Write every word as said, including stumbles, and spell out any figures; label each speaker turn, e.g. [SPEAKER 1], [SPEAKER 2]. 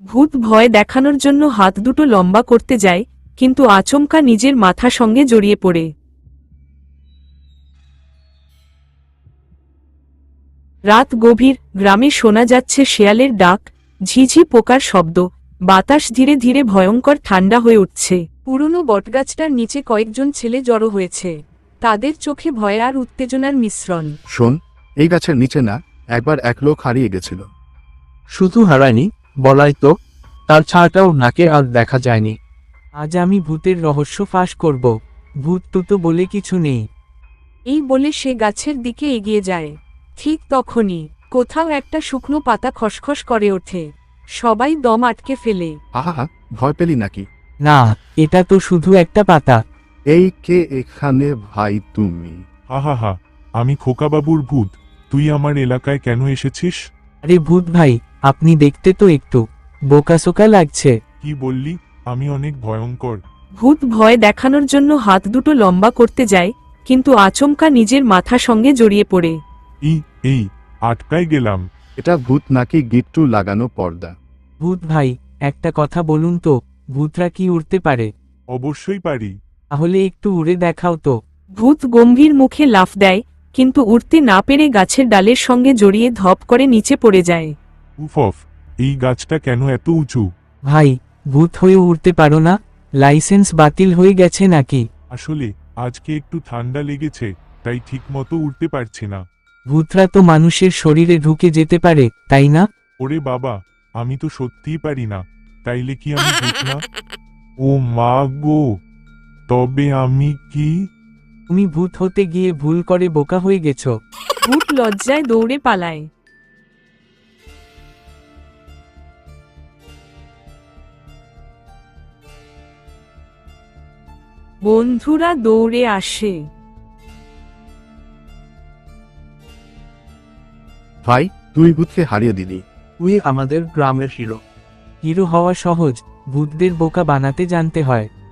[SPEAKER 1] ভূত ভয় দেখানোর জন্য হাত দুটো লম্বা করতে যায়, কিন্তু আচমকা নিজের মাথা সঙ্গে জড়িয়ে পড়ে। রাত গভীর, গ্রামে শোনা যাচ্ছে শেয়ালের ডাক, ঝিঝি পোকার শব্দ, বাতাস ধীরে ধীরে ভয়ঙ্কর ঠান্ডা হয়ে উঠছে। পুরনো বটগাছটার নিচে কয়েকজন ছেলে জড়ো হয়েছে, তাদের চোখে ভয় আর উত্তেজনার মিশ্রণ।
[SPEAKER 2] শোন, এই গাছের নিচে না, একবার এক লোক হারিয়ে গেছিল।
[SPEAKER 3] শুধু হারায়নি, বলাই তো, তার ছায়াটাও নাকে আর দেখা যায়নি। আজ আমি ভূতের রহস্য ফাঁস করব। ভূত টুতো বলে কিছু নেই।
[SPEAKER 1] এই বলে সে গাছের দিকে এগিয়ে যায়। ঠিক তখনই কোথাও একটা শুকনো পাতা খসখস করে ওঠে। সবাই দম আটকে ফেলে।
[SPEAKER 2] আহা, ভয় পেলি নাকি?
[SPEAKER 3] না, এটা তো শুধু একটা পাতা।
[SPEAKER 2] এই কে এখানে ভাই তুমি?
[SPEAKER 4] আহা, আমি খোকাবাবুর ভূত। তুই আমার এলাকায় কেন এসেছিস?
[SPEAKER 3] আরে ভূত ভাই, আপনি দেখতে তো একটু বোকাসোকা লাগছে।
[SPEAKER 4] কি বললি? আমি অনেক ভয়ঙ্কর।
[SPEAKER 1] ভূত ভয় দেখানোর জন্য হাত দুটো লম্বা করতে যায়, কিন্তু আচমকা নিজের মাথা সঙ্গে জড়িয়ে পড়ে।
[SPEAKER 4] ই এই আটকায় গেলাম।
[SPEAKER 2] এটা ভূত নাকি গিট্টু লাগানো পর্দা?
[SPEAKER 3] ভূত ভাই, একটা কথা বলুন তো, ভূতরা কি উড়তে পারে?
[SPEAKER 4] অবশ্যই পারি।
[SPEAKER 3] তাহলে একটু উড়ে দেখাও তো।
[SPEAKER 1] ভূত গম্ভীর মুখে লাফ দেয়, কিন্তু উঠতে না পেরে গাছের ডালের সঙ্গে জড়িয়ে ধপ করে নিচে পড়ে যায়।
[SPEAKER 4] উফ, এই গাছটা কেন এত উঁচু?
[SPEAKER 3] ভাই, ভূত হয়ে উড়তে পারো না? লাইসেন্স বাতিল হয়ে গেছে নাকি?
[SPEAKER 4] আসলে আজকে একটু ঠান্ডা লেগেছে, তাই ঠিকমতো উঠতে পারছি না।
[SPEAKER 3] ভূতরা তো মানুষের শরীরে ঢুকে যেতে পারে, তাই না?
[SPEAKER 4] ওরে বাবা, আমি তো সত্যিই পারি না। তাইলে কি আমি ভূত না? ও মা গো, তবে আমি কি?
[SPEAKER 3] তুমি ভূত হতে গিয়ে ভুল করে বোকা হয়ে গেছো।
[SPEAKER 1] ভূত লজ্জায় দৌড়ে পালায়। বন্ধুরা দৌড়ে আসে।
[SPEAKER 2] ভাই, তুই ভূতকে হারিয়ে দিলি।
[SPEAKER 3] তুই আমাদের গ্রামের হিরো। হিরো হওয়া সহজ, ভূতদের বোকা বানাতে জানতে হয়।